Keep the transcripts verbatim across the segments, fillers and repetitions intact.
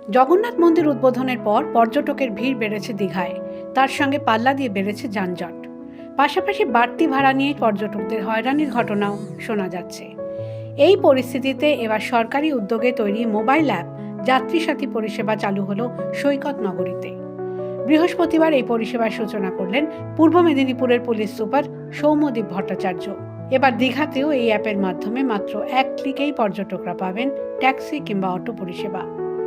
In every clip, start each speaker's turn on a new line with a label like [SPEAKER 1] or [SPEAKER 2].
[SPEAKER 1] জগন্নাথ মন্দির উদ্বোধনের পর পর্যটকের ভিড় বেড়েছে দীঘায়, তার সঙ্গে পাল্লা দিয়ে বেড়েছে যানজট। পাশাপাশি বাড়তি ভাড়া নিয়ে পর্যটকদের হয়রানির ঘটনাও শোনা যাচ্ছে। এই পরিস্থিতিতে এবার সরকারি উদ্যোগে তৈরি মোবাইল অ্যাপ যাত্রী সাথী পরিষেবা চালু হলো সৈকত নগরীতে। বৃহস্পতিবার এই পরিষেবার সূচনা করলেন পূর্ব মেদিনীপুরের পুলিশ সুপার সৌম্যদীপ ভট্টাচার্য। এবার দীঘাতেও এই অ্যাপের মাধ্যমে মাত্র এক ক্লিকেই পর্যটকরা পাবেন ট্যাক্সি কিংবা অটো পরিষেবা।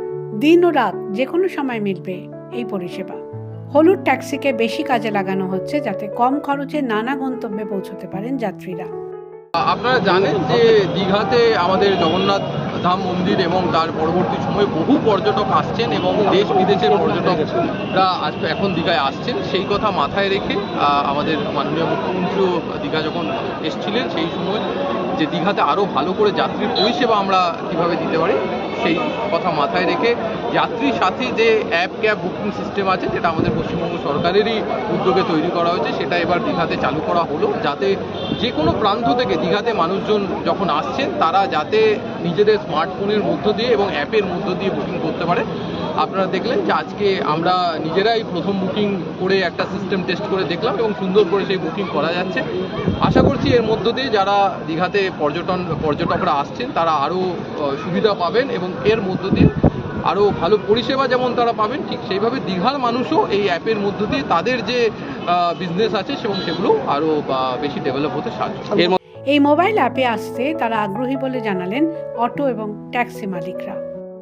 [SPEAKER 1] দিন ও রাত যে কোনো সময় মিলবে এই পরিষেবা। হলুদ ট্যাক্সিকে বেশি কাজে লাগানো হচ্ছে যাতে কম খরচে নানা গন্তব্যে পৌঁছতে পারেন যাত্রীরা।
[SPEAKER 2] আপনারা জানেন যে দীঘাতে আমাদের জগন্নাথ ধাম মন্দির এবং তার পরবর্তী সময়ে বহু পর্যটক আসছেন এবং দেশ বিদেশের পর্যটকরা এখন দীঘায় আসছেন। সেই কথা মাথায় রেখে আমাদের মাননীয় মুখ্যমন্ত্রীও দীঘা যখন এসেছিলেন সেই সময় যে দীঘাতে আরও ভালো করে যাত্রীর পরিষেবা আমরা কীভাবে দিতে পারি সেই কথা মাথায় রেখে যাত্রী সাথী যে অ্যাপ ক্যাব বুকিং সিস্টেম আছে যেটা আমাদের পশ্চিমবঙ্গ সরকারেরই উদ্যোগে তৈরি করা হয়েছে সেটা এবার দীঘাতে চালু করা হলো, যাতে যে কোনো প্রান্ত থেকে দীঘাতে মানুষজন যখন আসছেন তারা যাতে নিজেদের স্মার্টফোনের মধ্য দিয়ে এবং অ্যাপের মধ্য দিয়ে বুকিং করতে পারে। আপনারা দেখলেন যে আজকে আমরা নিজেরাই প্রথম বুকিং করে একটা সিস্টেম টেস্ট করে দেখলাম এবং সুন্দর করে সেই বুকিং করা যাচ্ছে। আশা করছি এর মধ্য দিয়ে যারা দীঘাতে পর্যটন পর্যটকরা আসছেন তারা আরও সুবিধা পাবেন এবং এর মধ্য দিয়ে আরও ভালো পরিষেবা যেমন তারা পাবেন, ঠিক সেইভাবে দীঘার মানুষও এই অ্যাপের মধ্য দিয়ে তাদের যে বিজনেস আছে এবং সেগুলো আরও বেশি ডেভেলপ হতে সাহায্য।
[SPEAKER 1] এই মোবাইল অ্যাপে আসতে তারা আগ্রহী বলে জানালেন অটো এবং ট্যাক্সি মালিকরা।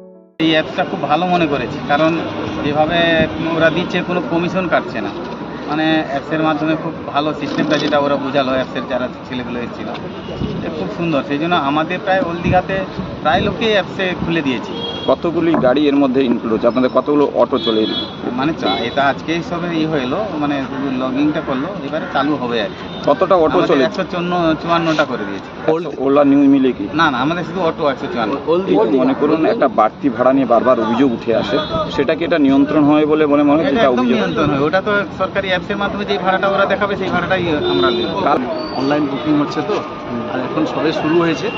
[SPEAKER 3] এই অ্যাপসটা খুব ভালো মনে করেছি, কারণ যেভাবে ওরা দিচ্ছে কোনো কমিশন কাটছে না, মানে অ্যাপসের মাধ্যমে খুব ভালো সিস্টেমটা যেটা ওরা বোঝালো অ্যাপসের যারা ছেলেগুলো এসেছিল খুব সুন্দর। সেই জন্য আমাদের প্রায় ওল্ড দীঘাতে প্রায় লোককেই অ্যাপসে খুলে দিয়েছি।
[SPEAKER 4] কতগুলি গাড়ি এর মধ্যে ইনক্লুড হচ্ছে? আপনাদের কতগুলো অটো চলে এলো?
[SPEAKER 3] মানে এটা আজকেই সবে ই হলো, মানে লগিংটা করলো, এবারে চালু হবে আর কি।
[SPEAKER 4] কতটা অটো চলে?
[SPEAKER 3] একশো চুয়ান্নটা করে দিয়েছে।
[SPEAKER 4] ওলা নিউ মিলে কি?
[SPEAKER 3] না না, আমাদের শুধু অটো একশো চুয়ান্ন।
[SPEAKER 4] মনে করুন একটা বাড়তি ভাড়া নিয়ে বারবার অভিযোগ উঠে আসে, সেটা কি এটা নিয়ন্ত্রণ হয় বলে মনে মনে হয়?
[SPEAKER 3] নিয়ন্ত্রণ হয়, ওটা তো সরকারি অ্যাপসের মাধ্যমে যে ভাড়াটা ওরা দেখাবে সেই ভাড়াটাই আমরা নেব।
[SPEAKER 5] অনলাইন বুকিং হচ্ছে তো, আর এখন সবে শুরু হয়েছে।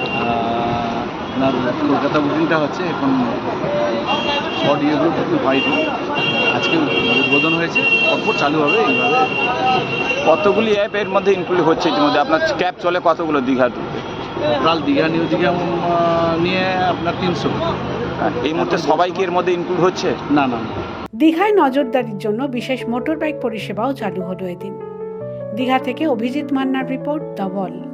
[SPEAKER 5] আপনার কলকাতা বুকিংটা হচ্ছে এখন শর্ট ইয়েগুলো বুকিং হয়নি, আজকে উদ্বোধন হয়েছে, পরপর চালু হবে এইভাবে।
[SPEAKER 4] কতগুলি অ্যাপ এর মধ্যে ইনক্লুড হচ্ছে ইতিমধ্যে? আপনার ক্যাব চলে কতগুলো দীঘা?
[SPEAKER 5] টোটাল দীঘা নিউ দীঘা নিয়ে আপনার তিনশো।
[SPEAKER 4] এই মুহূর্তে সবাই কি এর মধ্যে ইনক্লুড হচ্ছে?
[SPEAKER 5] না না।
[SPEAKER 1] দীঘায় নজরদারির জন্য বিশেষ মোটর বাইক পরিষেবাও চালু হলো এদিন। দীঘা থেকে অভিজিৎ মান্নার রিপোর্ট, দ্য ওয়াল।